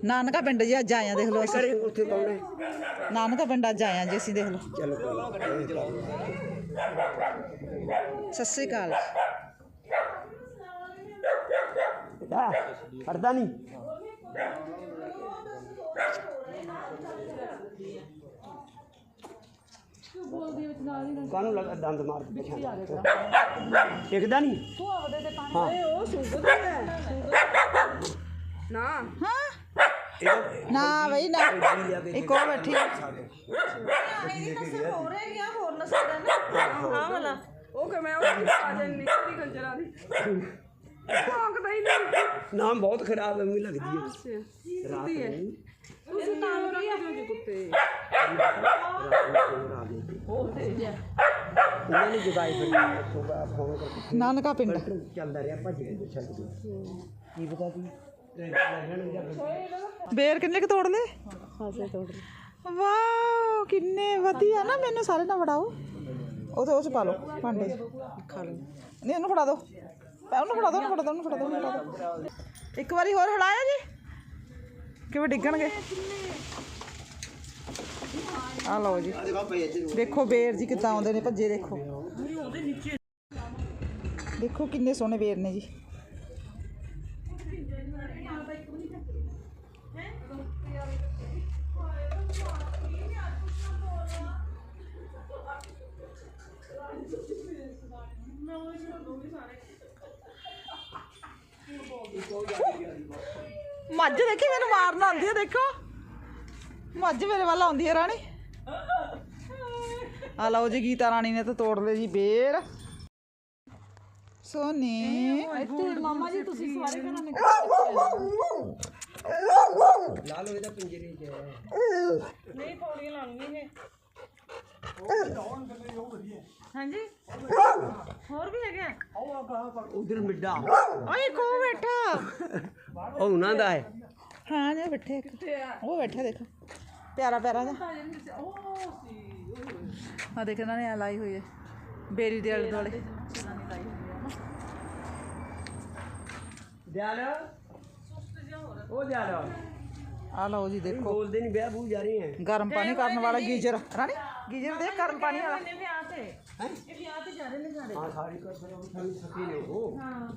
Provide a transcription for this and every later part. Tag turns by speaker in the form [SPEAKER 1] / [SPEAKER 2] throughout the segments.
[SPEAKER 1] ਨਾਨਕਾ ਪਿੰਡ ਜੀ ਅੱਜ ਆਏ ਆ, ਦੇਖ ਲਓ ਅਸੀਂ।
[SPEAKER 2] ਉੱਥੇ ਕੌਣ ਹੈ?
[SPEAKER 1] ਨਾਨਕਾ ਪਿੰਡ ਅੱਜ ਆਏ ਆ ਜੀ ਅਸੀਂ, ਦੇਖ ਲਓ।
[SPEAKER 2] ਚਲੋ
[SPEAKER 1] ਸਤਿ ਸ਼੍ਰੀ ਅਕਾਲ।
[SPEAKER 2] ਪੜਦਾ ਨਹੀਂ ਕਾਨੂੰ ਲੱਗਾ ਦੰਦ ਮਾਰ ਕੇ ਟਿਕਦਾ ਨਹੀਂ। ਹਾਂ
[SPEAKER 3] ਉਹ ਸੁਗਰ ਹੈ ਨਾ।
[SPEAKER 1] ਹਾਂ ਨਾ ਬਈ ਨਾ, ਇੱਕ ਉਹ ਬੈਠੀ
[SPEAKER 3] ਉਹ ਕਿ ਮੈਂ ਉਹ ਆ ਜਾਣ ਨਿਕਲਦੀ ਖੰਜਰਾਂ ਦੀ ਭੌਂਕਦਾ ਹੀ ਨਹੀਂ।
[SPEAKER 2] ਨਾਮ ਬਹੁਤ ਖਰਾਬ ਐਵੇਂ ਲੱਗਦੀ ਹੈ। ਰਾਤ ਨੂੰ
[SPEAKER 3] ਤੁਸੀਂ ਨਾਮ ਕੀ ਆ ਜੀ ਕੁੱਤੇ?
[SPEAKER 2] ਉਹਨਾਂ ਨੇ ਜਗਾਈ ਫਿਰ ਸੁਬਾ ਫੋਨ ਕਰਕੇ
[SPEAKER 1] ਨਾਨਕਾ ਪਿੰਡ
[SPEAKER 2] ਚੱਲਦਾ ਰਿਹਾ ਭੱਜ ਕੇ ਛੱਡ ਕੇ ਕੀ ਪਤਾ ਕੀ
[SPEAKER 1] ਬੇਰ ਕਿੰਨੇ ਕੁ ਤੋੜ ਲਏ?
[SPEAKER 3] ਖਾਸੇ ਤੋੜ
[SPEAKER 1] ਵਾਓ ਕਿੰਨੇ ਵਧੀਆ ਨਾ। ਮੈਨੂੰ ਸਾਰੇ ਨਾ ਫੜਾਓ, ਉਹ ਤਾਂ ਉਹ 'ਚ ਪਾ ਲਓ ਭਾਂਡੇ 'ਚ ਖਾ ਲਓ। ਨਹੀਂ ਉਹਨੂੰ ਫੜਾ ਦਿਓ, ਉਹਨੂੰ ਫੜਾ ਦਿਓ, ਉਹਨੂੰ ਫੜਾ ਦਿਓ, ਉਹਨੂੰ ਫੜਾ ਦਿਓ, ਉਹਨੂੰ ਫੜਾ ਦਿਓ। ਇੱਕ ਵਾਰੀ ਹੋਰ ਹਲਾਇਆ ਜੀ, ਕਿਵੇਂ ਡਿੱਗਣਗੇ। ਆ ਲਓ ਜੀ, ਦੇਖੋ ਬੇਰ ਜੀ ਕਿੱਦਾਂ ਆਉਂਦੇ ਨੇ ਭੱਜੇ। ਦੇਖੋ ਦੇਖੋ ਕਿੰਨੇ ਸੋਹਣੇ ਬੇਰ ਨੇ ਜੀ। ਮੱਝ ਦੇਖੀ ਮੈਨੂੰ ਮਾਰਨ ਆਉਂਦੀ ਹੈ। ਦੇਖੋ ਮੱਝ ਮੇਰੇ ਵੱਲ ਆਉਂਦੀ ਹੈ ਰਾਣੀ। ਆ ਲਓ ਜੀ, ਗੀਤਾ ਰਾਣੀ ਨੇ ਤਾਂ ਤੋੜ ਲਏ ਜੀ ਬੇਰ। ਸੋਨੀ
[SPEAKER 3] ਮਾਮਾ ਜੀ ਤੁਸੀਂ ਸਾਰੇ ਘਰਾਂ ਨੇ
[SPEAKER 2] ਲਾ ਲਓ ਇਹਦਾ ਪਿੰਜਰੇ 'ਚ
[SPEAKER 3] ਨਹੀਂ ਪੌੜੀਆਂ ਲਾਉਣੀਆਂ ਇਹ। ਹਾਂਜੀ ਹੋਰ ਵੀ ਹੈਗੇ
[SPEAKER 2] ਉਧਰ ਮਿੱਡਾ
[SPEAKER 1] ਓਏ ਕੋ ਬੈਠਾ।
[SPEAKER 2] ਉਹ ਉਹਨਾਂ ਦਾ ਹੈ।
[SPEAKER 1] ਹਾਂ ਜੀ ਬੈਠੇ ਇੱਕ ਉਹ ਬੈਠਾ, ਦੇਖ ਪਿਆਰਾ ਪਿਆਰਾ ਜਿਹਾ। ਆ ਦੇਖ ਇਹਨਾਂ ਨੇ ਆ ਲਾਈ ਹੋਈ ਹੈ ਬੇਰੀ ਦੇ ਆਲੇ ਦੁਆਲੇ।
[SPEAKER 2] ਦਿਆਲ ਉਹ ਦਿਆਲ
[SPEAKER 1] ਆ ਲਓ ਜੀ, ਦੇਖੋ
[SPEAKER 2] ਬੋਲਦੇ ਨਹੀਂ ਵਿਆਹ ਬੂ ਜਾ ਰਹੇ ਹੈ।
[SPEAKER 1] ਗਰਮ ਪਾਣੀ ਕਰਨ ਵਾਲਾ ਗੀਜ਼ਰ। ਰਾਣੀ ਗੀਜ਼ਰ ਦੇ ਗਰਮ ਪਾਣੀ ਵਾਲਾ।
[SPEAKER 3] ਵਿਆਹ ਤੇ ਇਹ ਵਿਆਹ ਤੇ ਜਾ ਰਹੇ ਨੇ ਸਾਰੇ।
[SPEAKER 2] ਹਾਂ ਸਾਰੀ ਕਰ ਸਾਨੂੰ ਸਕੀ ਨੇ ਉਹ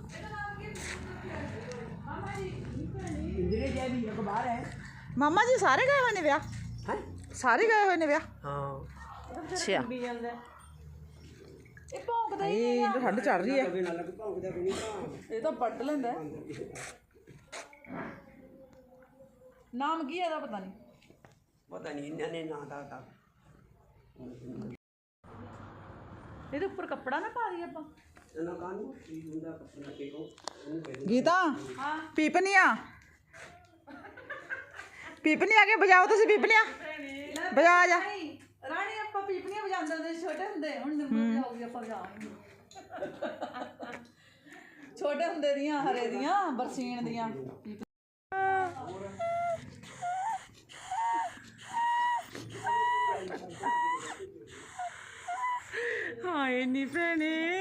[SPEAKER 2] ਇੰਦਰੇ ਜੀ ਵੀ ਅਖਬਾਰ ਹੈ।
[SPEAKER 1] ਮਾਮਾ ਜੀ ਸਾਰੇ ਗਏ ਹੋਏ ਨੇ ਵਿਆਹ?
[SPEAKER 2] ਹੈ
[SPEAKER 1] ਸਾਰੇ ਗਏ ਹੋਏ ਨੇ ਵਿਆਹ?
[SPEAKER 2] ਹਾਂ
[SPEAKER 1] ਅੱਛਾ
[SPEAKER 3] ਵੀ ਜਾਂਦਾ ਇਹ ਭੌਂਕਦਾ
[SPEAKER 1] ਇਹ ਠੰਡ ਚੜ ਰਹੀ ਹੈ।
[SPEAKER 2] ਕਦੇ ਨਾ ਲੱਗ ਭੌਂਕਦਾ ਕੋਈ ਨਹੀਂ।
[SPEAKER 3] ਇਹ ਤਾਂ ਪੱਟ ਲੈਂਦਾ। ਨਾਮ ਕੀ ਹੈ ਇਹਦਾ ਪਤਾ ਨਹੀਂ।
[SPEAKER 2] ਪਤਾ ਨਹੀਂ ਇਹਨਾਂ ਨੇ ਨਾਂ ਦਾ
[SPEAKER 3] ਇਹਦੇ ਉੱਪਰ ਕੱਪੜਾ ਨਾ ਪਾ ਦਈਏ ਆਪਾਂ।
[SPEAKER 2] ਇਹਨਾਂ ਕਾਨੂੰ ਕੀ ਹੁੰਦਾ ਕੱਪੜਾ ਕੇ ਕੋ ਉਹਨੂੰ ਕਹਿ
[SPEAKER 1] ਗੀਤਾ ਪੀਪਨੀਆਂ ਪੀਪਨੀਆਂ ਕੇ ਬਜਾਓ ਤੁਸੀਂ। ਪੀਪਨੀਆਂ ਬਜਾ ਜਾ।
[SPEAKER 3] ਰਾਣੀ ਆਪਾਂ ਪੀਪਣੀਆਂ ਵਜਾਉਂਦੇ ਹੁੰਦੇ ਛੋਟੇ ਹੁੰਦੇ। ਹੁਣ ਨਿਰਮਲ ਜਾਊਗੀ ਆਪਾਂ ਵਜਾਵਾਂਗੇ। ਛੋਟੇ ਹੁੰਦੇ ਦੀਆਂ ਹਰੇ ਦੀਆਂ ਬਰਸੀਨ ਦੀਆਂ।
[SPEAKER 1] ਹਾਏ ਨੀ ਭੈਣੇ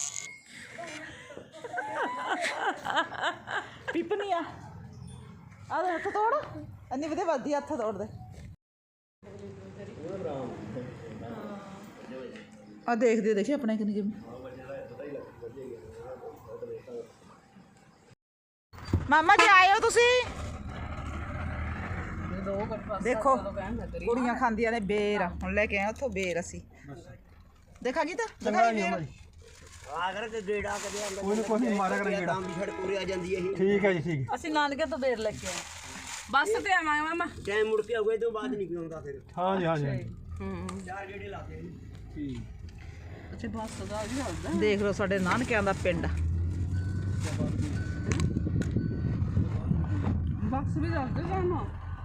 [SPEAKER 1] ਪੀਪਨੀਆਂ। ਆ ਦੇ ਹੱਥ ਤੋੜ, ਇੰਨੀ ਵਧੀਆ ਵੱਧਦੀ ਹੱਥ ਤੋੜ ਦੇ। ਆ ਦੇਖਦੇ ਦੇਖੀ ਆਪਣੇ ਕਿੰਨੀ ਕਿਵੇਂ। ਮਾਮਾ ਜੀ ਆਏ ਹੋ ਤੁਸੀਂ? ਦੇਖੋ ਕੁੜੀਆਂ ਖਾਂਦੀਆਂ ਨੇ ਬੇਰ। ਹੁਣ ਲੈ ਕੇ ਆਏ ਉੱਥੋਂ ਬੇਰ ਅਸੀਂ। ਦੇਖਾ ਗੀਤਾ ਦਿਖਾਈ ਬੇਰ।
[SPEAKER 2] ਆ ਕਰ ਕੇ ਗੇੜਾ ਕਦੇ ਆਂਦਾ
[SPEAKER 4] ਕੋਈ ਨਹੀਂ ਮਾਰਿਆ ਕਰਾਂਗੇ ਗੇੜਾ।
[SPEAKER 2] ਦੀ ਛੜ ਪੂਰੇ ਆ ਜਾਂਦੀ ਹੈ ਇਹ।
[SPEAKER 4] ਠੀਕ ਹੈ ਜੀ, ਠੀਕ ਹੈ।
[SPEAKER 3] ਅਸੀਂ ਨਾਨਕੇ ਤੋਂ ਬੇਰ ਲੈ ਕੇ ਆਏ। ਬੱਸ ਤੇ ਆਵਾਂਗੇ ਮਾਮਾ।
[SPEAKER 2] ਟਾਈਮ ਮੁੜ ਕੇ ਆਉਗੇ ਤੋਂ ਬਾਅਦ ਨਹੀਂ ਪਿਉਂਦਾ ਫਿਰ।
[SPEAKER 4] ਹਾਂ ਜੀ, ਹਾਂ ਜੀ।
[SPEAKER 2] ਚਾਰ ਗੇੜੇ ਲਾਤੇ ਨੇ।
[SPEAKER 4] ਠੀਕ।
[SPEAKER 3] ਅੱਛਾ ਬੱਸ ਦਾ ਵੀ ਹੁੰਦਾ।
[SPEAKER 1] ਦੇਖ ਲਓ ਸਾਡੇ ਨਾਨਕਿਆਂ ਦਾ ਪਿੰਡ।
[SPEAKER 3] ਬੱਸ ਵੀ ਜਾਂਦੇ ਸਾਨੂੰ।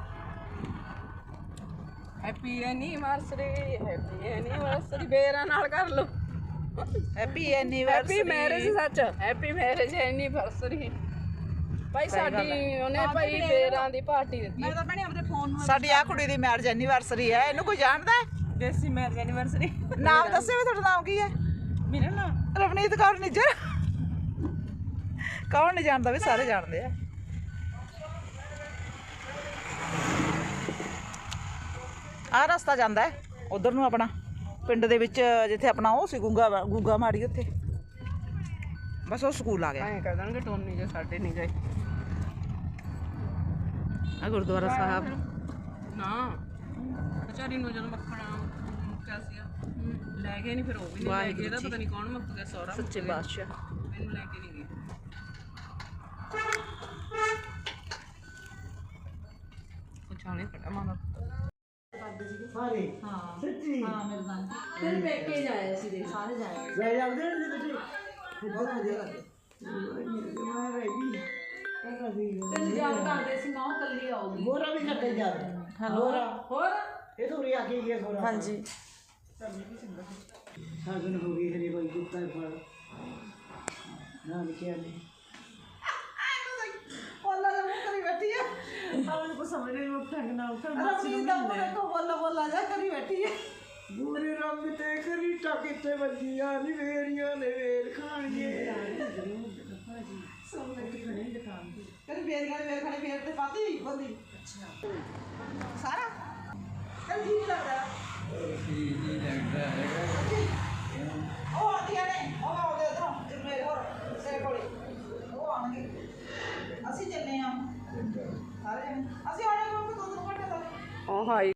[SPEAKER 3] ਹੈਪੀ ਐਨੀਵਰਸਰੀ ਬੇਰਾਂ ਨਾਲ ਕਰ ਲਓ।
[SPEAKER 1] Happy anniversary.
[SPEAKER 3] ਹੈਪੀ ਮੈਰਿਜ ਸੱਚ। Happy marriage anniversary. ਭਾਈ ਸਾਡੀ ਉਹਨੇ ਭਾਈ ਬੇਰਾਂ ਦੀ ਪਾਰਟੀ ਦਿੱਤੀ। ਮੈਂ ਤਾਂ ਭੈਣੇ ਆਪਣੇ ਫੋਨ
[SPEAKER 1] ਸਾਡੀ ਆ ਕੁੜੀ ਦੀ ਮੈਰਿਜ ਐਨੀਵਰਸਰੀ ਹੈ। ਇਹਨੂੰ ਕੋਈ ਜਾਣਦਾ ਹੈ?
[SPEAKER 3] Desi marriage anniversary.
[SPEAKER 1] ਨਾਮ ਦੱਸਿਓ ਵੀ, ਤੁਹਾਡਾ ਨਾਮ ਕੀ ਹੈ?
[SPEAKER 3] ਮੇਰਾ ਨਾਮ
[SPEAKER 1] ਰਵਨੀਤ ਕੌਰ ਨਿੱਜਰ। ਕੌਣ ਨਹੀਂ ਜਾਣਦਾ ਵੀ, ਸਾਰੇ ਜਾਣਦੇ ਆ। ਆਹ ਰਸਤਾ ਜਾਂਦਾ ਹੈ ਉਧਰ ਨੂੰ ਆਪਣਾ ਪਿੰਡ ਦੇ ਵਿੱਚ ਜਿੱਥੇ ਆਪਣਾ ਉਹ ਸੀ ਗੁੱਗਾ ਮਾੜੀ ਉੱਥੇ ਬਸ ਉਹ ਸਕੂਲ ਆ ਗਿਆ
[SPEAKER 3] ਐਂ ਕਹਿ ਦੇਣਗੇ ਟੋਨੀ ਜੇ ਸਾਡੇ ਨਹੀਂ ਗਏ ਆ ਗੁਰਦੁਆਰਾ ਸਾਹਿਬ ਨਾ ਵਿਚਾਰੀ ਨੂੰ ਜਦੋਂ ਮੱਖਣਾ ਮੁੱਕਿਆ ਸੀ ਲੈ ਗਏ ਨਹੀਂ ਫਿਰ ਉਹ ਵੀ ਨਹੀਂ ਲੈ ਗਏ ਇਹਦਾ ਪਤਾ ਨਹੀਂ ਕੌਣ ਮੁੱਕ ਗਿਆ ਸਹੁਰਾ
[SPEAKER 1] ਸੱਚੇ ਬਾਦਸ਼ਾਹ
[SPEAKER 3] ਮੈਨੂੰ ਲੈ ਕੇ ਨਹੀਂ ਗਏ ਕੁਛ ਆਣੇ ਖੜਾ ਮਾਨਾ
[SPEAKER 2] ਸਾਰੇ ਸੱਚੀ
[SPEAKER 3] ਫਿਰ ਪੇਕੇ ਜਾਇਆ ਸੀ ਦੇ ਸਾਰੇ ਜਾਏ
[SPEAKER 2] ਲੈ ਜਾਂਦੇ ਨੇ ਤੁਸੀਂ ਬਹੁਤ ਵਧੀਆ ਕਰਦੇ ਮੈਂ ਰਹਿ ਗਈ
[SPEAKER 3] ਤੇ ਜਾਬ ਕਰਦੇ ਸੀ ਨਾ ਕੱਲੀ ਆਉਗੀ
[SPEAKER 2] ਗੋਰਾ ਵੀ ਕੱਟੇ ਜਾਂਦਾ ਗੋਰਾ
[SPEAKER 3] ਹੋਰ
[SPEAKER 2] ਇਹ ਤੋਂ ਰਿਆ ਕੇ ਗਿਆ ਗੋਰਾ
[SPEAKER 1] ਹਾਂਜੀ
[SPEAKER 2] ਸਾਗਨ ਹੋ ਗਈ ਹਰੇ ਕੋਈ ਕੁੱਤਾ ਫੜ ਨਾ ਲਿਖਿਆ ਨਹੀਂ
[SPEAKER 1] ਬੋਲਾ ਜਾ ਮੂੰਹ ਕਰੀ ਬੈਠੀ ਹੈ
[SPEAKER 2] ਆਉਣ ਕੋ ਸਮਝ ਨਹੀਂ ਉਹ ਢੰਗ ਨਾਲ ਕਰ
[SPEAKER 1] ਰਮੀ ਦਾ ਮੂੰਹ ਤੋਂ ਬੋਲਾ ਜਾ ਕਰੀ ਬੈਠੀ ਹੈ
[SPEAKER 2] ਗੋਰੇ ਰੰਗ ਤੇ ਕਰੀ ਟਕਿੱਤੇ ਵੱਜੀਆਂ ਨੀ ਵੇਰੀਆਂ ਨੇ ਵੇਰ ਖਾਣੀਏ
[SPEAKER 1] ਕਰੀ ਵੇਰ ਖਾਣੇ ਤੇ ਪਾਤੀ ਬੰਦੀ ਅੱਛਾ ਸਾਰਾ ਚੱਲ ਜੀ ਲੱਗਦਾ ਉਹ ਆਉਂਦੀਆਂ ਨੇ ਉਹ ਆਉਂਦੇ ਉਧਰੋਂ ਮੇਰੇ ਹੋਰ ਤੇਰੇ ਕੋਲੇ ਉਹ ਆਉਣਗੇ ਅਸੀਂ ਚੱਲੇ ਆ ਸਾਰੇ ਜਣੇ ਅਸੀਂ ਆਉਣੇ ਕੋਈ 2 ਘੰਟੇ ਤੱਕ
[SPEAKER 3] ਉਹ ਹਾਈ